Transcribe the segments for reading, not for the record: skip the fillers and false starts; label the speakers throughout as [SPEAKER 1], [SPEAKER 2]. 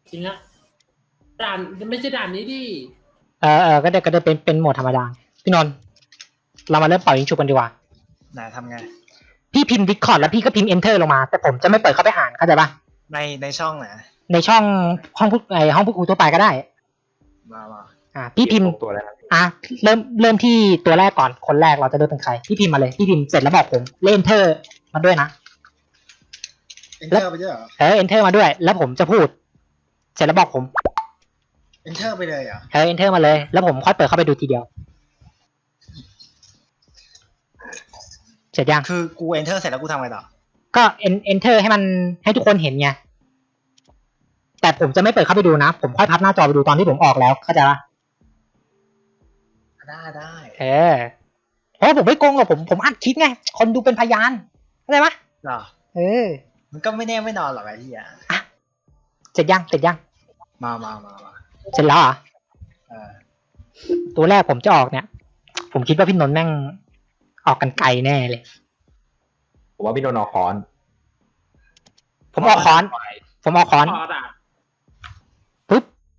[SPEAKER 1] จริงอะด่านไม่ใช่ด่านนี้ดิ
[SPEAKER 2] ก็ได้เป็นโหมดธรรมดาพี่นนท์เรามาเริ่มเป่ายิงฉุบกันดีกว่า
[SPEAKER 3] ไหนทำไง
[SPEAKER 2] พี่พิมพ์ Discord แล้วพี่ก็พิมพ์ Enter ลงมาแต่ผมจะไม่เปิดเข้าไปอ่านเข้าใจปะ
[SPEAKER 3] ในช่องไหน
[SPEAKER 2] ในช่องห้องพูดคุยทั่วไปก็ได้
[SPEAKER 3] มา
[SPEAKER 2] พี่พิมพ์
[SPEAKER 4] ตัวแล้ว
[SPEAKER 2] เริ่มที่ตัวแรกก่อนคนแรกเราจะเลือกเป็นใครพี่พิมพ์มาเลยพี่พิมพ์เสร็จแล้วบอกผมเล่น Enter มาด้วยนะ
[SPEAKER 3] Enter ไปด้วยเหรอ
[SPEAKER 2] Enter มาด้วยแล้วผมจะพูดเสร็จแล้วบอกผม
[SPEAKER 3] Enter ไปเลยเหรอ
[SPEAKER 2] Enter มาเลยแล้วผมค่อยเปิดเข้าไปดูทีเดียวเสร็จยัง
[SPEAKER 3] คือกู Enter เสร็จแล้วกูทำไงต่อ
[SPEAKER 2] ก็ Enter ให้ทุกคนเห็นไงแต่ผมจะไม่เปิดเข้าไปดูนะผมค่อยพับหน้าจอไปดูตอนที่ผมออกแล้วเข้าใจปะ
[SPEAKER 3] ได้
[SPEAKER 2] เพราะผมไม่โกงหรอกผมอัดคลิปไงคนดูเป็นพยานเข้าใจปะ
[SPEAKER 3] หรอมันก็ไม่แน่ไม่นอนหรอกไอ้ที่
[SPEAKER 2] เสร็จยัง
[SPEAKER 3] มา
[SPEAKER 2] เสร็จแล้วเหรอตัวแรกผมจะออกเนี่ยผมคิดว่าพี่นนท์แม่งออกกันไกลแน่เลย
[SPEAKER 4] ผมว่าพี่โดนออกคอน
[SPEAKER 2] ผมออกคอนปึ๊บ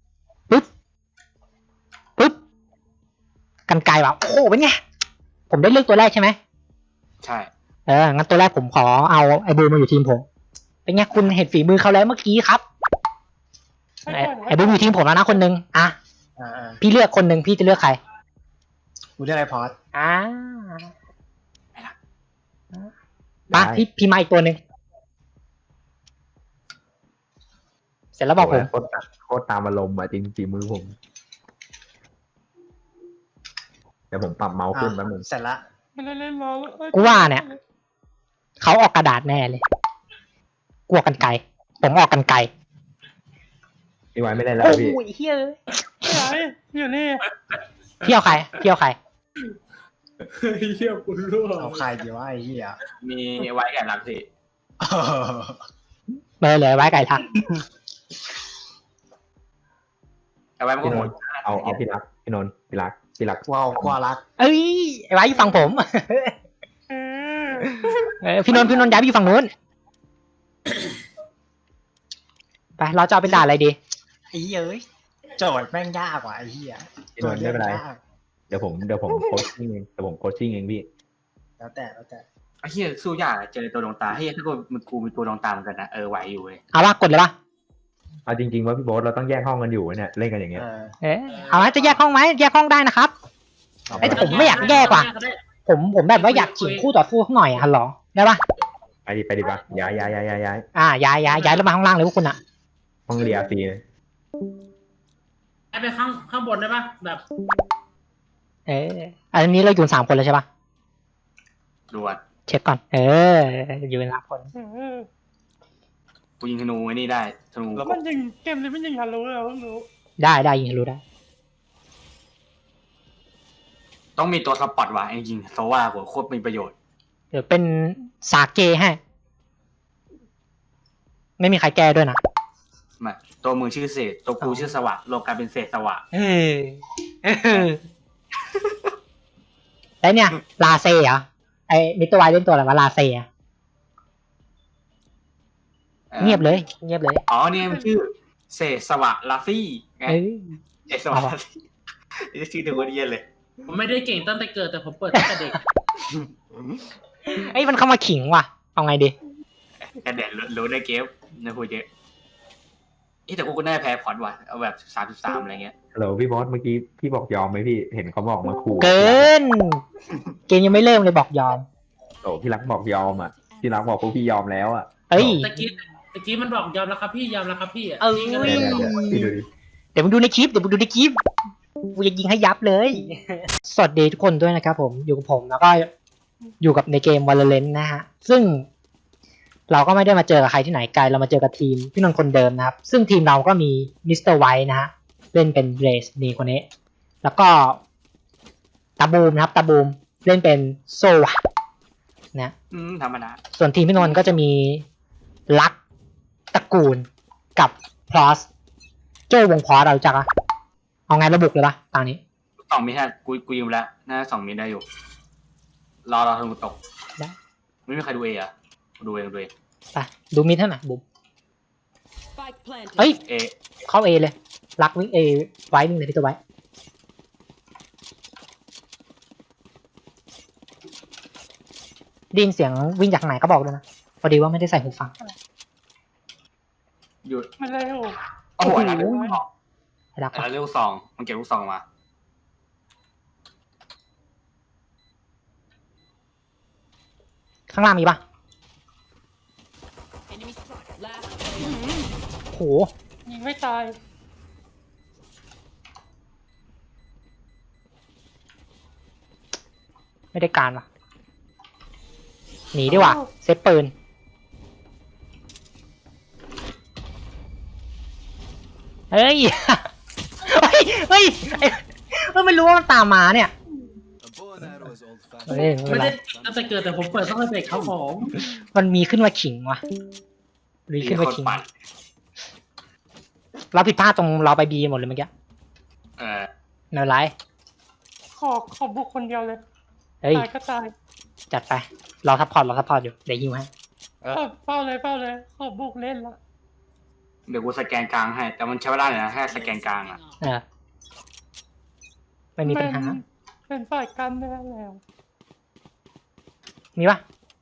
[SPEAKER 2] กันไกลว่ะโอ้โหเป็นไงผมได้เลือกตัวแรกใช่ไหม
[SPEAKER 4] ใช่
[SPEAKER 2] งั้นตัวแรกผมขอเอาไอ้บูมมาอยู่ทีมผมเป็นไงคุณเห็นฝีมือเขาแล้วเมื่อกี้ครับไอ้บูมอยู่ทีมผมแล้วนะคนนึงพี่เลือกคนนึงพี่จะเลือกใคร
[SPEAKER 3] กูเลือกไอ้พอด
[SPEAKER 2] มาพี่มาอีกตัวนึงเสร็จแล้วบอกผม
[SPEAKER 4] โคตรตามอารมณ์อ่ะจริงฝีมือผมเดี๋ยวผมปรับเมาส์ขึ้นแป๊บนึง
[SPEAKER 3] เสร็จละ
[SPEAKER 2] กูว่าเนี่ยเขาออกกระดาษแน่เลยกลัวกันไกลผมออกกันไกล
[SPEAKER 4] พี่ไว้ไม่ได้แล้วพี่
[SPEAKER 2] โอ้ยเฮ้ย
[SPEAKER 1] อยู่นี่
[SPEAKER 2] พี่เอาใคร
[SPEAKER 1] เฮียคุณรู้
[SPEAKER 3] เอาใครดีวะไอ้เหี้ย
[SPEAKER 4] มีไว้แก่รักสิ
[SPEAKER 2] เลยไว้ไก่ทัก
[SPEAKER 4] เอาไว้พี่นนท์เอาพี่รักพี่นนท์พี่รัก
[SPEAKER 3] ว้าวกว่ารัก
[SPEAKER 2] เอ้ยไว้อยู่ฝั่งผมพี่นนท์ย้ายไปอยู่ฝั่งนู้นไปเราจะเอาเป็นด่าอะไรดี
[SPEAKER 3] ไอ้เหี้ยโจทย์แม่งยากกว่าไอ้เหี้ย
[SPEAKER 4] พี่นนท์ไม่เป็นไรเดี๋ยวผมโคชชิ่งเองพี่
[SPEAKER 3] แล้วแต่
[SPEAKER 4] ไอ้เหี้ยสู้ยากเจอตัวดวงตาเฮ้ยถ้ากูมีตัวดวงตาเหมือนกันนะไหวอยู่เลย
[SPEAKER 2] เอาว่ากดเลยป่ะ
[SPEAKER 4] เอาจริงๆว่าพี่โบ๊ทเราต้องแยกห้องกันอยู่เนี่ยเล่นกันอย่างเงี้ย
[SPEAKER 2] เอาจะแยกห้องไหมแยกห้องได้นะครับแต่ผมไม่อยากแยกว่ะผมแบบว่าอยากขิงคู่ต่อสู้ข้างหน่อยฮัลโหลได้ป่ะ
[SPEAKER 4] ไปดิป่ะย้าย
[SPEAKER 2] ย้ายแล้วมาข้างล่างเลยพวกคุณอะ
[SPEAKER 4] ห้องเรียซี
[SPEAKER 1] ไปข้างบนได้ป่ะแบบ
[SPEAKER 2] อันนี้เราอยู่3 คนแล้วใช่ป่ะ
[SPEAKER 4] ดูอ่ะ
[SPEAKER 2] เช็คก่อนอยู่กัน3 คน
[SPEAKER 4] กูยิงธนูไอ้นี่ได้ธนู
[SPEAKER 1] มันยิงเกมนี้มันยิงฮัลโหลแล้วรู้
[SPEAKER 2] ได้ยิงฮัลโหลได้
[SPEAKER 4] ต้องมีตัวสปอตว่ะจริงๆโซว่าโคตรมีประโยชน์
[SPEAKER 2] เดี๋ยวเป็นสาเกให้ไม่มีใครแก้ด้วยนะ
[SPEAKER 4] มาตัวมือชื่อเศษตัวกูชื่อสวะโลกาเป็นเศษสวะ
[SPEAKER 2] แล้วเนี่ยลาเซ่เหรอไอ้มิสเตอร์ไวเล่นตัวอะไรวะลาเซ่เงียบเลย
[SPEAKER 4] อ๋อเนี่ยมันชื่อเศษสวะลาฟี่ไงเศษสวะลาฟี่นี่ชื่อเดียวกันเย็นเลย
[SPEAKER 1] ผมไม่ได้เก่งตั้งแต่เกิดแต่ผมเปิดตั้งแต่เด็ก
[SPEAKER 2] มันเข้ามาขิงว่ะเอาไงดี
[SPEAKER 4] กระเด็นรู้ได้เกมนะพูดเยอะแต่กูก็น่าแพ้พอดว่ะเอาแบบ33อะไรเงี้ยฮัลโหลพี่บอสเมื่อกี้พี่บอกยอมไหมพี่เห็นเขาบอกมาขู่
[SPEAKER 2] เกินเกมยังไม่เริ่มเลยบอกยอม
[SPEAKER 4] โอ้พี่รักบอกยอมอ่ะพี่รักบอกพวกพี่ยอมแล้วอ่ะ
[SPEAKER 1] ตะกี้มันบอกยอมแล้วครับพี่ยอมแล้วครับพี่
[SPEAKER 2] เดี๋ยวมึงดูในคลิปกูจะยิงให้ยับเลยสวัสดีทุกคนด้วยนะครับผมอยู่กับผมแล้วก็อยู่กับในเกม Valorant นะฮะซึ่งเราก็ไม่ได้มาเจอกับใครที่ไหนไกลเรามาเจอกับทีมพี่นนท์คนเดิมนะครับซึ่งทีมเราก็มีมิสเตอร์ไวท์นะฮะเล่นเป็นเรสนี่คนนี้แล้วก็ตาบูมนะครับตาบูมเล่นเป็นโซวะนะ
[SPEAKER 4] ธรรมดา
[SPEAKER 2] ส่วนทีมพี่นนท์ก็จะมีลักตระกูลกับพลอสโจ้วงพอสเราจักอะเอาไงระบุเลยปะตอนนี้
[SPEAKER 4] 2 มิตรกูยิงแล้วน่า2 มิตรได้อยู่รอธนูตกไม่มีใครดูอ่ะดูเอง
[SPEAKER 2] ไปดูมิดเท่าไหร่บุ๋ม
[SPEAKER 5] Spike planted.
[SPEAKER 2] เฮ้ย
[SPEAKER 4] เอ
[SPEAKER 2] เข้าเอเลยรักวิ่งเอไว้วิ่งเลยพี่ตัวไว้ได้ยินเสียงวิ่งจากไหนก็บอกด้วยนะพอดีว่าไม่ได้ใส่หูฟัง
[SPEAKER 4] หยุด
[SPEAKER 6] มาเร็ว
[SPEAKER 4] โอ้โหอะไรลูกสอง
[SPEAKER 2] ไอ้รัก
[SPEAKER 4] อะไรลูกซองมันเก็บลูกซองมา
[SPEAKER 2] ข้างล่างมีปะ
[SPEAKER 5] Enemy spotted. Last
[SPEAKER 2] โห
[SPEAKER 6] ยิงไม่ตาย
[SPEAKER 2] ไม่ได้การวะหนีดีกว่าเซฟปืนเฮ้ย เฮ้ยเฮ้ยไม่รู้ว่ามันตามมาเนี่ย เฮ้ยไม่เป็นไร
[SPEAKER 1] ไม่ได้ตั้งแต่เกิดแต่ผมเปิดต้องให้เด็กครับผม
[SPEAKER 2] มันมีขึ้นมาขิงว่ะมีขึ้นมาขิง
[SPEAKER 4] ปั่น
[SPEAKER 2] เราผิดพลาดตรงเราไปบีหมดเลยเมื่อกี้
[SPEAKER 4] เออ
[SPEAKER 2] ไม่เป็นไร
[SPEAKER 6] ขอบุกคนเดียวเลย
[SPEAKER 2] เฮ้ย
[SPEAKER 6] ตายก็ตาย
[SPEAKER 2] จัดไปเราซัพพอร์ตอยู่เดี๋ยวยิงให้
[SPEAKER 6] เฝ้าเลยขอบุกเล่นละ
[SPEAKER 4] เดี๋ยวกูสแกนกลางให้ แต่มันใช้เวลาเลยนะแค่สแกนกลางอ่ะ
[SPEAKER 2] เออไม่มีปัญหา
[SPEAKER 6] เป็นฝ่ายกันได้แล้ว
[SPEAKER 2] มีปะ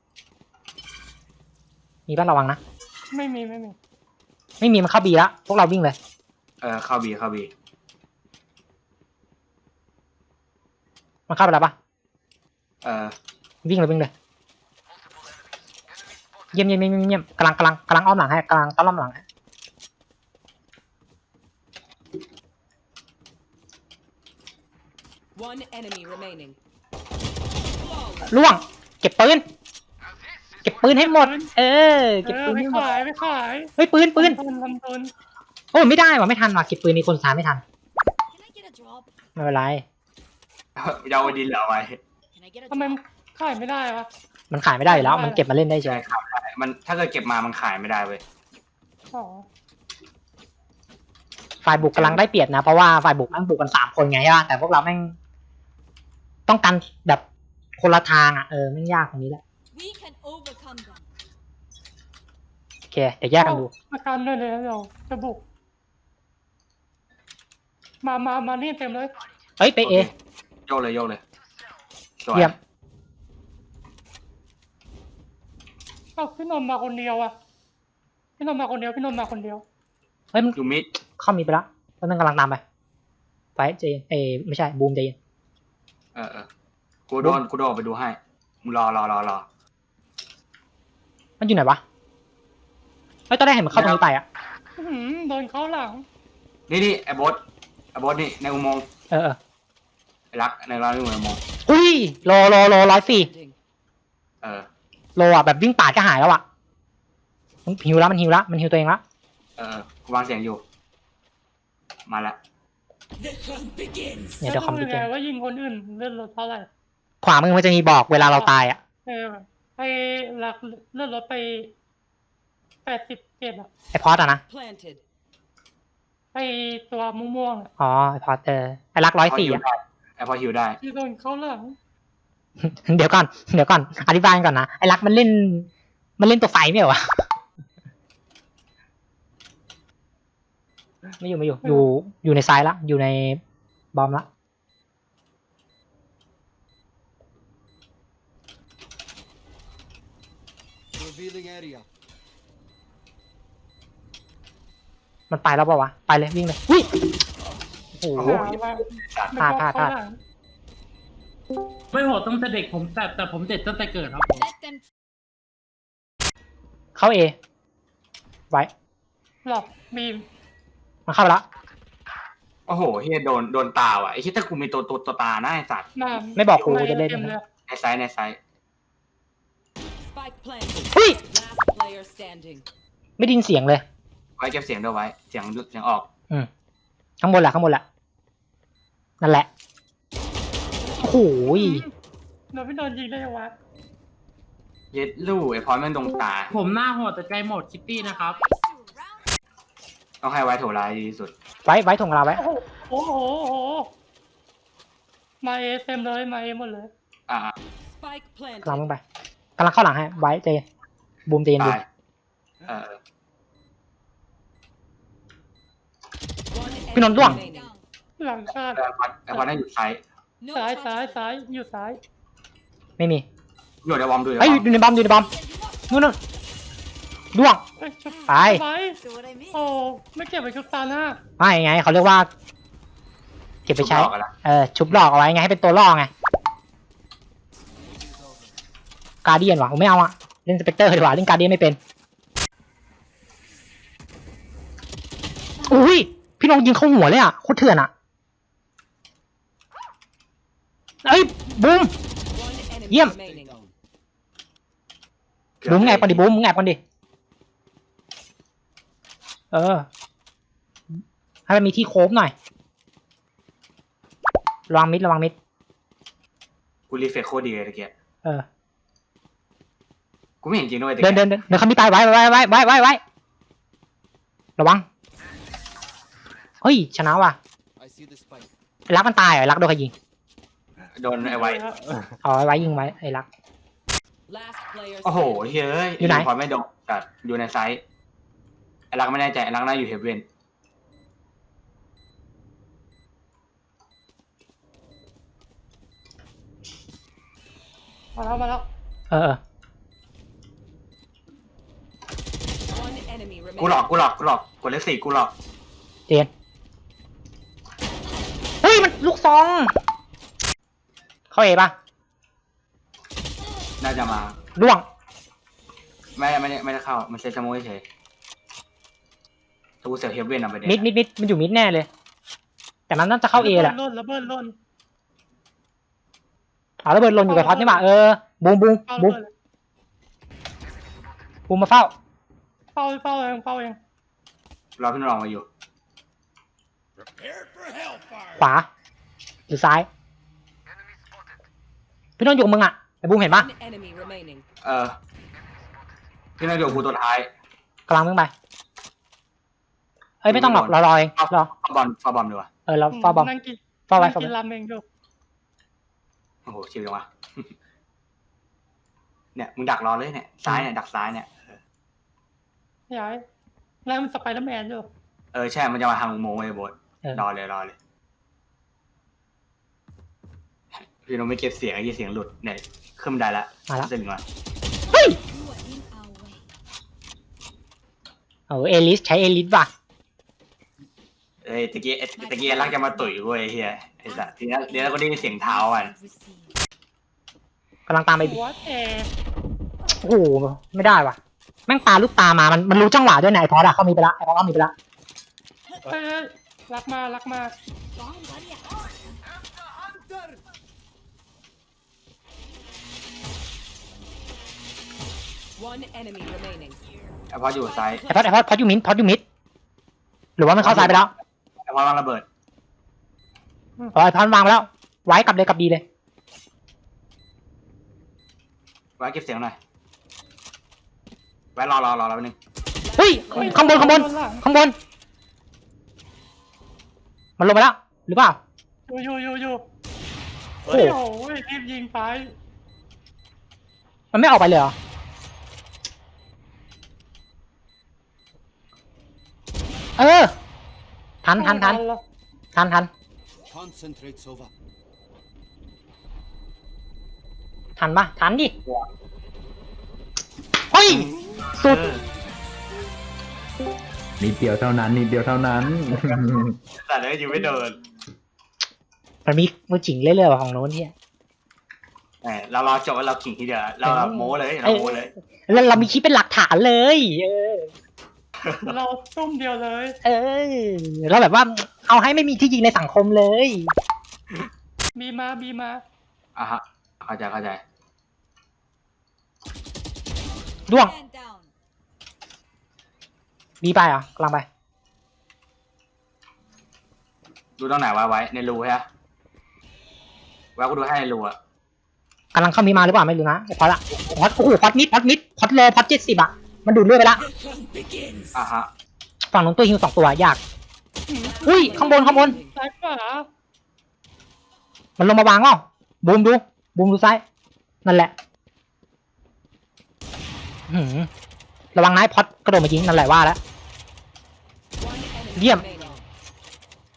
[SPEAKER 2] มีปะระวังนะ
[SPEAKER 6] ไม่มี
[SPEAKER 2] ไม่มีมันเข้าบีแล้วพวกเราวิ่งเลย
[SPEAKER 4] เข้าบี
[SPEAKER 2] มันเข้าไปแล้วปะ วิ่งเลยเยี่ยมกำลังอ้อมหลังให้กำลังต้อนรับหลังให้
[SPEAKER 5] One enemy remaining.
[SPEAKER 2] ล่วงเก็บปืนให้หมดเก็บปืน
[SPEAKER 6] ไม่
[SPEAKER 2] ให้หมด
[SPEAKER 6] ขาย
[SPEAKER 2] เฮ้ยปืน
[SPEAKER 6] ทำทุน
[SPEAKER 2] โอ้ไม่ได้ว่ะไม่ทันว่ะเก็บปืนในคนสามไม่ทัน
[SPEAKER 7] Can I get a drop?
[SPEAKER 2] ไม่เป็นไร
[SPEAKER 4] ยาวดินเหลือไว้
[SPEAKER 7] Can I get a
[SPEAKER 6] ทำไม
[SPEAKER 7] drop?
[SPEAKER 6] ขายไม่ได้วะ
[SPEAKER 2] มันขายไม่ได้อยู่แล้วมันเก็บมาเล่นได้เฉ
[SPEAKER 4] ใช่
[SPEAKER 2] ย
[SPEAKER 4] ครับมันถ้าเกิดเก็บมามันขายไม่ได้เว้ย
[SPEAKER 6] อ๋อ
[SPEAKER 2] ฝ่ายบุกกำลังได้เปรียบนะเพราะว่าฝ่ายบุกนั่งบุกกัน3 คนไงใช่ป่ะแต่พวกเราแม่งต้องกันแบบคนละทางอ่ะแม่งยากตรงนี้แหละ
[SPEAKER 7] We can overcome them.
[SPEAKER 2] โอเคเดี๋ยวแยกกันดู
[SPEAKER 6] ประกันด้วยเลยเราจะบุกมานี่เต็มเลย
[SPEAKER 2] เฮ้ยไปเอ
[SPEAKER 4] โยกเลยสวย
[SPEAKER 2] เยี่ยม
[SPEAKER 6] พี่นนท์มาคนเดียวพี่นนท์มาคนเดียว
[SPEAKER 2] เฮ้ยมัน
[SPEAKER 4] อยู่มิด
[SPEAKER 2] เข้ามีไปแล้วแล้วนั่งกำลังตามไปไฟเจไม่ใช่บูมเจน
[SPEAKER 4] กูโดนออกไปดูให้มึงรอ
[SPEAKER 2] มันอยู่ไหนวะเฮ้ยตอนแรกเห็นมันเข้าตรงนี้ไปอ่ะ
[SPEAKER 6] โดนเข้าหลัง
[SPEAKER 4] นี่ไอ้บอสนี่ในอุโมงค์ ไอ้รักในร้านอุโมงค์
[SPEAKER 2] อุ้ยโล104
[SPEAKER 5] Standing.
[SPEAKER 2] โลอ่ะแบบวิ่งป่าดก็หายแล้วอ่ะมันหิวแล้วมันหิวตัวเองละ
[SPEAKER 4] กูวางเสียงอยู่มาละ
[SPEAKER 2] เนี่ยเดี๋ยวคอมพิว
[SPEAKER 6] ไง
[SPEAKER 2] เตอร์
[SPEAKER 6] ว่ายิงคนอื่นเลื่อนรถเท่าไหร่
[SPEAKER 2] ขวามือมันจะมีบอกเวลาเราตายอ่ะ
[SPEAKER 6] ไปหลักเลื่อนรถไป87อ่ะ
[SPEAKER 2] ไอพอดอ่ะนะ
[SPEAKER 5] Planted.
[SPEAKER 6] ไปตัวม่วงๆอ่ะ
[SPEAKER 2] อ๋อไอพอดไอรัก104อ่ะ
[SPEAKER 4] ไอ้พอหิวได้
[SPEAKER 6] ที่โดนเข้าหลัง
[SPEAKER 2] เดี๋ยวก่อนอธิบายก่อนนะไอรักมันเล่นตัวไฟไม่เหรอวะไม่อยู่ในซ้ายละอยู่ในบอมละ
[SPEAKER 8] Revealing area.
[SPEAKER 2] มันไปแล้วเปล่าวะไปเลยวิ่งเลยอุ้ยโอ้โห พลาด
[SPEAKER 1] ไม่โหดตั้งแต่เด็กผมแต่ผมเด็ดตั้งแต่เกิดครับผม
[SPEAKER 7] Let them
[SPEAKER 2] เข้าเอไว้
[SPEAKER 6] หลอกบีม
[SPEAKER 2] มันเข้าไปแล้ว
[SPEAKER 4] โอ้โหเฮียโดนตาว่ะไอ้ที่ถ้ากูมีตัวตาหน้าไอ้สัตว์
[SPEAKER 2] ไม่บอกกูจะเล่น
[SPEAKER 6] ต็ม
[SPEAKER 2] นะ
[SPEAKER 6] เลย
[SPEAKER 4] ในไซส์
[SPEAKER 5] Spike planted.
[SPEAKER 2] อุ้ย
[SPEAKER 5] Last player standing.
[SPEAKER 2] ไม่ได้ยินเสียงเลย
[SPEAKER 4] ไว้เก็บเสียงด้วยไว้เสียงออก
[SPEAKER 2] ข้างบนแหละนั่นแหละโอ้โห
[SPEAKER 6] เราไม่โดนยิงได้ยังวะ
[SPEAKER 4] เย็ดลู่ไอ้พอยมันดงตา
[SPEAKER 1] ผมหน้าโหดแต่ใจโหมดคิตตี้นะครับ
[SPEAKER 7] surround
[SPEAKER 4] ต้องให้ไว้โถร้ายดีที่สุด
[SPEAKER 2] ไว้ถงเราไว้
[SPEAKER 6] โอ้โหมาเอเต็มเลยมาเอหมดเลย
[SPEAKER 5] Spike
[SPEAKER 2] กำลัง
[SPEAKER 5] planted.
[SPEAKER 2] ลงไปกำลังเข้าหลังให้ไว้เจบูมเจนดู
[SPEAKER 4] ตาย
[SPEAKER 2] พี่นนท์ล่วง
[SPEAKER 5] remaining.
[SPEAKER 6] หลังคาด
[SPEAKER 4] ไอ้พอนั่นอยู่ซ้าย
[SPEAKER 7] No
[SPEAKER 6] ซ้าย
[SPEAKER 7] charges
[SPEAKER 6] ซ้าย
[SPEAKER 7] left.
[SPEAKER 6] ซ้ายอยู่ซ้าย
[SPEAKER 2] ไม่มี
[SPEAKER 4] อยู่ในวอมดู
[SPEAKER 2] เฮ้ยอยู่ในบอมอยู่ในบอมนู่นนู่นล่วง
[SPEAKER 6] เฮ้ยชุบ
[SPEAKER 2] ไป
[SPEAKER 6] ไป
[SPEAKER 7] So what I mean?
[SPEAKER 6] โอ้ไม่เก็บไปชุบตาหน้า
[SPEAKER 2] ไม่ไงเขาเรียกว่า เก็บไปใช้
[SPEAKER 4] ชุบหลอกกันละ
[SPEAKER 2] ชุบหลอกเอาไว้ไงให้เป็นตัวล่อไงการเดียนวะผมไม่เอาอะเล่นสเปกเตอร์ดีกว่าเล่นการเดียนไม่เป็นอุ้ยพี่น้องยิงเข้าหัวเลยอะโคตรเถื่อนอะเอ้ยบูม
[SPEAKER 5] One enemy
[SPEAKER 2] Yep.
[SPEAKER 5] remaining.
[SPEAKER 2] บูมมึงแอบก่อนดิบูมมึงแอบก่อนดิให้มันมีที่โค้งหน่อยระวังมิดระวังมิด
[SPEAKER 4] กูรีเฟกโคตรดีเลยตะเกียบ
[SPEAKER 2] เออ
[SPEAKER 4] กูไม่เห็นจริงด้วยตะ
[SPEAKER 2] เดิ
[SPEAKER 4] เกี
[SPEAKER 2] น
[SPEAKER 4] ยบ
[SPEAKER 2] เดินเดินเดินเขามีตายไว้ระวังเฮ้ยชนะว่ะไอ้รักมันตายเหรอไอ้รักโดนใครยิง
[SPEAKER 4] โดนไอ้ไว้
[SPEAKER 2] เอาไอ้ไว้ยิงไว้ไอ้รัก
[SPEAKER 5] Last player
[SPEAKER 4] โอ้โห
[SPEAKER 5] standing.
[SPEAKER 4] เฮ้ย
[SPEAKER 2] อยู่ไหน
[SPEAKER 4] พอไม่โดนแต่อยู่ในไซส์ไอ้รักไม่แน่ใจไอ้รักน่าอยู่เฮฟเว่น
[SPEAKER 6] มาแล้ว
[SPEAKER 2] เออ
[SPEAKER 5] One enemy
[SPEAKER 4] กูหลอก
[SPEAKER 5] remaining.
[SPEAKER 4] กูหลอกกดเลข4กูหลอก
[SPEAKER 2] เจนเฮ้ยมันลูกซองเข้าเอป่ะ
[SPEAKER 4] น่าจะมา
[SPEAKER 2] ล่วง
[SPEAKER 4] ไม่ได้เข้ามันเซตสโมเฉยตัวกูเสียเฮฟเว่นอ่ะประเด็น
[SPEAKER 2] มิดมันอยู่มิดแน่เลย แต่มันน่าจะเข้าเอแหละ
[SPEAKER 6] ระเบิดล่น
[SPEAKER 2] เอาระเบิดหล่นอยู่กับท็อตนี่ป่ะบูม
[SPEAKER 6] เข้าระเบิด
[SPEAKER 2] บูมมาเฝ้า
[SPEAKER 6] เฝ้าเอง
[SPEAKER 4] รอพี่นรองมาอยู่
[SPEAKER 2] ขวาหรือซ้ายพี่น้องอยู่กับมึงอ่ะไอ้บูมเห็นปะ
[SPEAKER 5] One enemy remaining.
[SPEAKER 4] พี่นรองอยู่กับกูตัวท้าย
[SPEAKER 2] กำลังมึงไปเอ้ยไม่ต้องหรอกรอเองรอ
[SPEAKER 4] ฟาบอมดีกว่า
[SPEAKER 2] เราเฝ้าบอม
[SPEAKER 6] นั่งกิน
[SPEAKER 2] เฝ้าไว้
[SPEAKER 6] นั่งกินรามเองอยู่
[SPEAKER 4] โอ้โหชิวจังวะ เนี่ยมึงดักรอเลยเนี่ยซ้ายเนี่ยดักซ้ายเนี่ย
[SPEAKER 6] ย้ายแล้วมันสไปเดอร์แมนอยู่
[SPEAKER 4] ใช่มันจะมาทางอุโมงค์เลยโบสรอเลยพี่นรองไม่เก็บเสียงไอ้เสียงหลุดเนี่ยขึ้นบันไดละ
[SPEAKER 2] มาแล้ว
[SPEAKER 4] จะถึงละ
[SPEAKER 2] เฮ้ย
[SPEAKER 7] You are in our way.
[SPEAKER 2] เอลิสใช้เอลิสว่ะ
[SPEAKER 4] ตะกี้รักจะมาตุ๋ยเว้ยเฮียไอ้สัสทีนี้เดี๋ยวเราก็ได้ยินเสียงเท้าอ่ะ
[SPEAKER 2] กำลังตามไป
[SPEAKER 6] วัดแอร์
[SPEAKER 2] โอ้โหไม่ได้ว่ะแม่งปาลูกตามามันรู้จังหวะด้วยนะไอ้พอดอะเขามีไปละไอ้พอดเขามีไปละ
[SPEAKER 6] เฮ้ยรักมา
[SPEAKER 7] Bomb buddy out.
[SPEAKER 5] One enemy remaining.
[SPEAKER 4] ไอ้พออยู่ซ้าย
[SPEAKER 2] ไอ้พอดอยู่มิดหรือว่ามันเข้าซ้ายไปแล้ว
[SPEAKER 4] ไอ้พอวางระเบิด
[SPEAKER 2] ไอ้พอดวางไปแล้วไว้กลับดีเลย
[SPEAKER 4] ไว้เก็บเสียงหน่อยไว้รอแป๊บนึง
[SPEAKER 2] เฮ้ยข้างบน
[SPEAKER 6] หลัง
[SPEAKER 2] มันลงไปแล้วหรือเปล่า
[SPEAKER 6] อยู่
[SPEAKER 2] โอ้
[SPEAKER 6] โอ้
[SPEAKER 2] โห
[SPEAKER 6] โหรีบยิงไป
[SPEAKER 2] มันไม่ออกไปเลยเหรอทัน
[SPEAKER 8] Concentrate, Sova.
[SPEAKER 2] ทันปะทันดิเฮ้ยสุด
[SPEAKER 9] นิดเดียวเท่านั้น
[SPEAKER 4] แต่เลยอยู่ไม่เดิน
[SPEAKER 2] มันมีมือจิ๋งเรื่อยๆของโน้นเนี่ย
[SPEAKER 4] เรารอจบแล้วเราขิงทีเดียวเราแบบโม้เลยเราโม้เลย
[SPEAKER 2] แล้วเรามีคลิปเป็นหลักฐานเลย
[SPEAKER 6] เราตุ้มเดียวเลย
[SPEAKER 2] เราแบบว่าเอาให้ไม่มีที่ยิงในสังคมเลย
[SPEAKER 6] บีมา
[SPEAKER 4] อ่ะฮะเข้าใจ
[SPEAKER 2] ด้วง
[SPEAKER 7] Man down.
[SPEAKER 2] บีไปอ่ะกำลังไป
[SPEAKER 4] ดูตรงไหนไว้ในรูใช่ไหมไว้กูดูให้ในรูอ่ะ
[SPEAKER 2] กำลังเข้ามีมาหรือเปล่าไม่รู้นะพอละพอดโอ้โหพอดมิดพอดโลพอด70อ่ะมันดูดเลือดไปละ
[SPEAKER 4] อ่ะฮะ
[SPEAKER 2] ฝั่งนู้นตัวฮิว2 ตัวยากอุ้ยข้างบน
[SPEAKER 6] ซ้ายขวา
[SPEAKER 2] มันลงมาวางเปล่าบูมดูซ้ายนั่นแหละระวังนายพอดกระโดดมายิงนั่นแหละว่าแล้ว
[SPEAKER 5] One enemy
[SPEAKER 2] Yep.
[SPEAKER 5] remaining.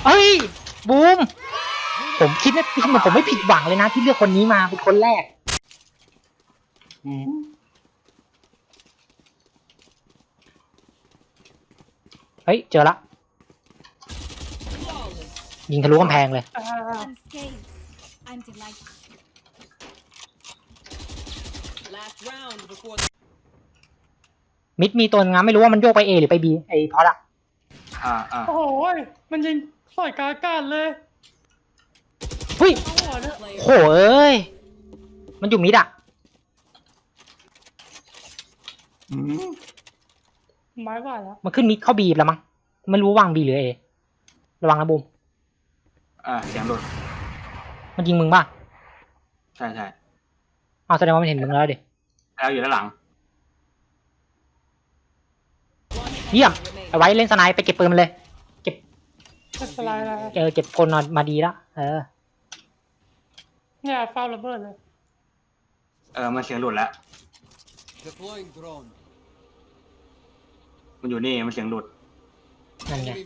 [SPEAKER 2] เอ้ยบูมผมคิดว่าผมไม่ผิดหวังเลยนะที่เลือกคนนี้มาเป็นคนแรก เฮ้ยเจอละยิงทะลุกำแพงเลย
[SPEAKER 7] Unscathed. I'm delighted.
[SPEAKER 5] Last round before
[SPEAKER 2] มิดมีตัวงามไม่รู้ว่ามันโยกไป A หรือไป B ไอ้พอดอะ
[SPEAKER 6] โอ้โหมันยิงสอยกลางอากาศเลย
[SPEAKER 2] เฮ้ย
[SPEAKER 6] เอาหัวเนี่ย
[SPEAKER 5] player
[SPEAKER 2] โหเอ้ยมันอยู่มิดอะ
[SPEAKER 6] ไม้ว่าแล้ว
[SPEAKER 2] มันขึ้นมิดเข้า B แล้วมั้งไม่รู้ว่าวาง B หรือ A ระวังนะบูม
[SPEAKER 4] เสียงหลุด
[SPEAKER 2] มันยิงมึงป่ะ
[SPEAKER 4] ใช่ใช่
[SPEAKER 2] อ้าวแสดงว่ามันเห็นมึงแล้วดิ
[SPEAKER 4] แล้วอยู่ด้านหลัง
[SPEAKER 5] one
[SPEAKER 2] เยี่ยม
[SPEAKER 5] enemy remaining.
[SPEAKER 2] เอาไว้เล่นสไนป์ไปเก็บปืนมันเลย
[SPEAKER 6] จะสไลด์แล้ว
[SPEAKER 2] เก็บคนมาดีละ
[SPEAKER 6] เนี่ยเฝ้าระเบิดเลย
[SPEAKER 4] มันเสียงหลุดแล้ว
[SPEAKER 8] Deploying drone.
[SPEAKER 4] มันอยู่นี่มันเสียงหลุด
[SPEAKER 2] นั่นไง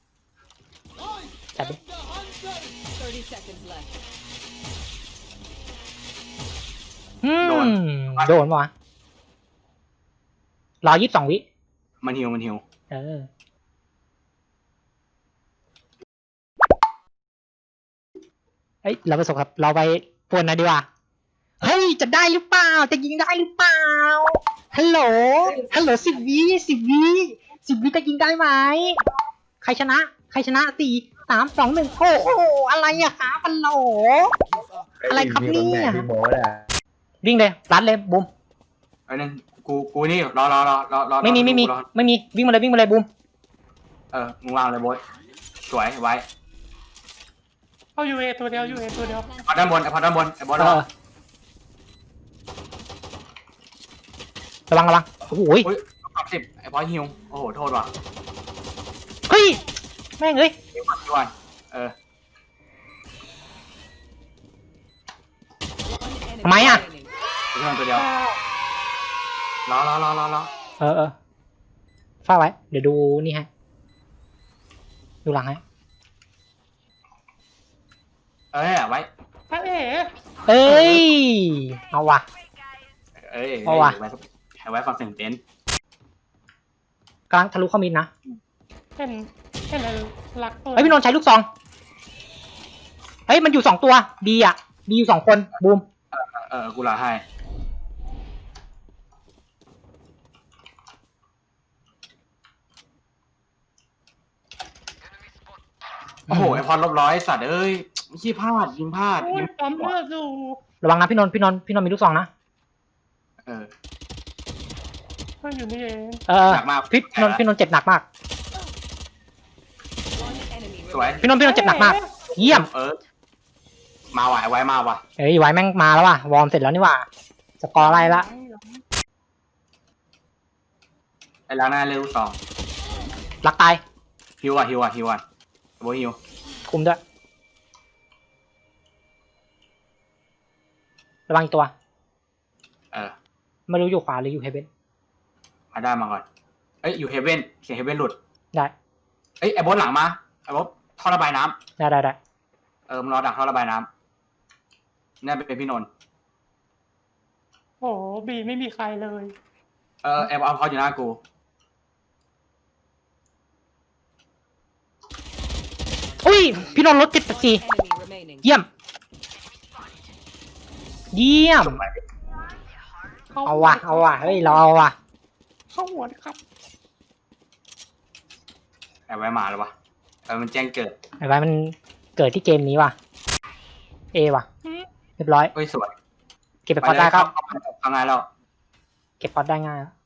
[SPEAKER 2] จับดิ
[SPEAKER 5] 30 seconds left.
[SPEAKER 2] โดนวะรอ22 วิ
[SPEAKER 4] มันหิว
[SPEAKER 2] เฮ้ยเราไปส่งครับเราไปปวนหน่อยดีกว่าเฮ้ยจะได้หรือเปล่าจะยิงได้หรือเปล่าฮัลโหล10 วิ จะยิงได้ไหมใครชนะ4 3 2 1โอ้โหอะไรอะครับฮัลโหลอะไรครับเนี่ยวิ่งเลยรัดเลยบูม
[SPEAKER 4] ไอ้นั่นกูนี่รอ
[SPEAKER 2] ไม่มี
[SPEAKER 4] รอ
[SPEAKER 2] วิ่งมาเลยบูม
[SPEAKER 4] มึงวางเลยโบ๊ทสวยไว้
[SPEAKER 6] เอายูเอตัวเดียวยูเอตัวเดียว
[SPEAKER 4] พอด้านบนไอ้บอส
[SPEAKER 2] ระวังโอ้โห
[SPEAKER 4] อุ้ย10ไอ้บอสหิวโอ้โหโทษว่ะ
[SPEAKER 2] เฮ้ยแม่งเอ้ย
[SPEAKER 4] พี่วัน
[SPEAKER 5] One enemy
[SPEAKER 2] ทำไมอะ
[SPEAKER 5] remaining.
[SPEAKER 4] พี่วันตัวเดียวรอ
[SPEAKER 2] ฝ้าไว้เดี๋ยวดูนี่ฮะดูหลังฮะ
[SPEAKER 4] ไว้
[SPEAKER 6] พระเอ๋
[SPEAKER 2] เอ้ยเอาว่ะ เอาว่ะ
[SPEAKER 4] ไว้ฟังเสียงเต้น
[SPEAKER 2] กลางทะลุเข้ามิดนะ
[SPEAKER 6] เห็นอะไรรักตัว
[SPEAKER 2] เฮ้ยพี่นนท์ใช้ลูกซองเฮ้ยมันอยู่2 ตัวบีอยู่ 2 คนบูม
[SPEAKER 4] กูลาให้โอ้โหไอพร100สัตว์เอ้ยไม่ใช่พลาดยิงพลาด
[SPEAKER 6] โอ้ยปั๊มเลือดอยู่
[SPEAKER 2] ระวังนะพี่นนท์มีลูกซองนะ
[SPEAKER 6] มันอยู่นี่เอง
[SPEAKER 4] หนักมาก
[SPEAKER 2] พี่นนท์เจ็บหนักมาก
[SPEAKER 5] One enemy
[SPEAKER 4] สวย
[SPEAKER 5] remaining.
[SPEAKER 2] พี่นนท์เจ็บหนักมากเยี่ยม
[SPEAKER 4] มาว่ะไว้มาว่ะ
[SPEAKER 2] เอ้ยไว้แม่งมาแล้วว่ะวอร์มเสร็จแล้วนี่ว่ะสกอร์อะไรละ
[SPEAKER 4] ไอ้ล้างหน้าเร็ว2
[SPEAKER 2] รักตาย
[SPEAKER 4] ฮิวอ่ะโบฮิว
[SPEAKER 2] คุมด้วยระวังอีกตัวไม่รู้อยู่ขวาหรืออยู่เฮเบน
[SPEAKER 4] มาได้มาก่อนอยู่เฮเว่นเสียงเฮเว่นหลุด
[SPEAKER 2] ได้
[SPEAKER 4] ไอ้บอสหลังมาไอ้บอสท่อระบายน้ำ
[SPEAKER 2] ได้
[SPEAKER 4] มึงรอดักท่อระบายน้ำนี่เป็นพี่นนท์
[SPEAKER 6] โอ้โหบีไม่มีใครเลย
[SPEAKER 4] ไอ้บอสเขาอยู่หน้ากู
[SPEAKER 2] อุ้ยพี่นนท์ลด
[SPEAKER 5] One enemy remaining.
[SPEAKER 2] 74เยี่ยมเอาว่ะเฮ้ยเราเอาว่ะ
[SPEAKER 6] เข้าหัวนะครับ
[SPEAKER 4] ไอ้ไว้มาแล้ววะมันแจ้งเกิด
[SPEAKER 2] ไอ้ไว้มันเกิดที่เกมนี้ว่ะว่ะเรียบร้อย
[SPEAKER 4] เฮ้ยสวย
[SPEAKER 2] เก็บไปพอได้ครับ
[SPEAKER 4] ทำงานแล้ว
[SPEAKER 2] เก็บพอได้ง่ายแล้ว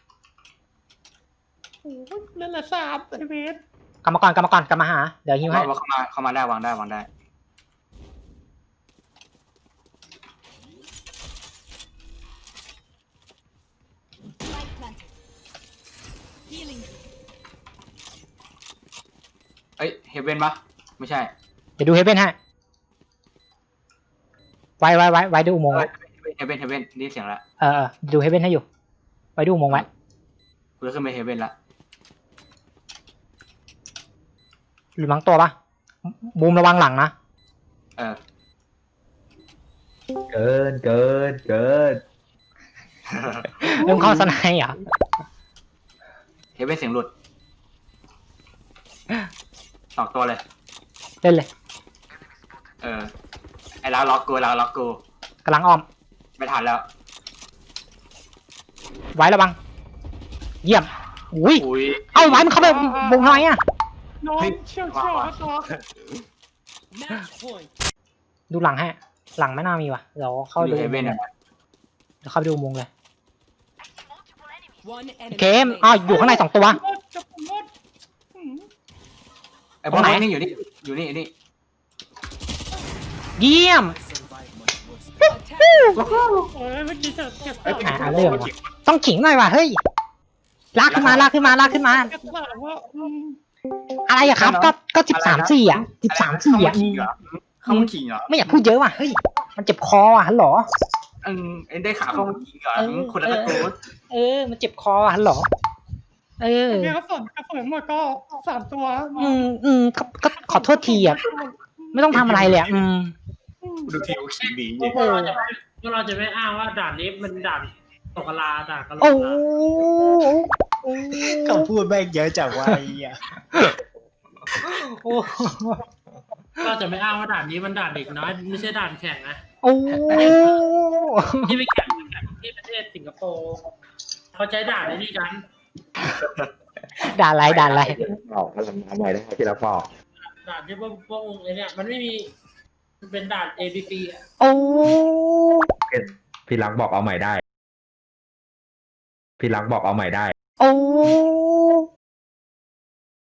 [SPEAKER 6] โอ้ยเล่นละ3ไอเวส
[SPEAKER 2] กลับมาหาเดี๋ยวฮิวให้
[SPEAKER 4] ว่าเข้ามาได้วางได้
[SPEAKER 7] Light planted. Healing.
[SPEAKER 4] เฮเว่นปะไม่ใช่
[SPEAKER 2] เดี๋ยวดูเฮเบนให้ไว้ดูอุโมงค์ไว้
[SPEAKER 4] เฮเว่นนี่เสียงละ
[SPEAKER 2] ดูเฮเบนให้อยู่ไว้ดูอุโมงค์ไว้
[SPEAKER 4] กูจะขึ้นไปเฮเว่นละ
[SPEAKER 2] หรือมั้งตัวปะบูมระวังหลังนะ
[SPEAKER 4] เออ
[SPEAKER 9] เกิน
[SPEAKER 2] เริ่มเข้าสไนด์เหรอ
[SPEAKER 4] เฮเว่นเสียงหลุดสองตัวเลย
[SPEAKER 2] เล่นเลย
[SPEAKER 4] เออ ไอ้เราล็อกกู
[SPEAKER 2] กำลังอ้อม
[SPEAKER 4] ไม่ทันแล้ว
[SPEAKER 2] ไว้ระวัง เยี่ยมอุ้ย
[SPEAKER 4] อุ้ย
[SPEAKER 2] เอาไว้มันเข้าไปวงทำไมอ่ะ
[SPEAKER 6] น้อง
[SPEAKER 4] เฮ้ย
[SPEAKER 6] เชี่ยวครับน้อง
[SPEAKER 5] Match point.
[SPEAKER 2] ดูหลังให้ หลังไม่น่ามีว่ะ เดี๋ยวเข้า
[SPEAKER 4] อยู่
[SPEAKER 2] ดู
[SPEAKER 4] เฮเว่นอะ
[SPEAKER 2] เดี๋ยวเข้าไปดูมุงเลย
[SPEAKER 5] One enemy
[SPEAKER 2] เคมอ้าวอยู่ข้างใน2 ตัว
[SPEAKER 6] จะผมหมดอืม
[SPEAKER 4] ไอ้บอล
[SPEAKER 2] ตรงไหน
[SPEAKER 4] นี่อยู่นี่
[SPEAKER 2] เยี่ยม
[SPEAKER 6] เออเมื่อกี้จะเก็บ
[SPEAKER 2] เรื่องว่ะต้องขิงหน่อยว่ะ เฮ้ย ลากขึ้นมา
[SPEAKER 6] เก็บถามว่า
[SPEAKER 2] อะไรอะครับ ก็13-4อะ13-4อะ
[SPEAKER 4] เข้ามาขิงเหรอ
[SPEAKER 2] ไม่อยากพูดเยอะว่ะ เฮ้ย มันเจ็บคออ่ะฮัลโหล
[SPEAKER 4] เอ็นได้ขาเข้ามาขิงเหรอคนละตะโกน
[SPEAKER 2] มันเจ็บคออ่ะฮัลโหล
[SPEAKER 6] เดี๋ยวกระสุนหมดก็3 ตัว
[SPEAKER 2] ก็ขอโทษทีอ่ะ ไม่ต้องทำอะไรเลยอ่ะ
[SPEAKER 4] ดูทีโอขิงดี
[SPEAKER 1] พวกเราจะไม่อ้างว่าด่านนี้มันด่านตกกะลาด่านกะโหลก
[SPEAKER 2] โอ้
[SPEAKER 3] เขาพูดแม่งเยอะจังวะไอ้เหี้ย
[SPEAKER 1] เราจะไม่อ้างว่าด่านนี้มันด่านเด็กน้อยไม่ใช่ด่านแข่งนะ
[SPEAKER 2] โอ้
[SPEAKER 1] ที่ไปแข่งที่ประเทศสิงคโปร์เขาใช้ด่านในนี่กัน
[SPEAKER 2] ด่าอะไร
[SPEAKER 9] บอกก็ทำใหม่ได้ที่เราบอก
[SPEAKER 1] ด่านที่พวกไอ้เนี่ยมันไม่มีมันเป็นด่าน ABC อ่ะ
[SPEAKER 2] โอ้
[SPEAKER 9] พี่รักบอกเอาใหม่ได้
[SPEAKER 2] โอ้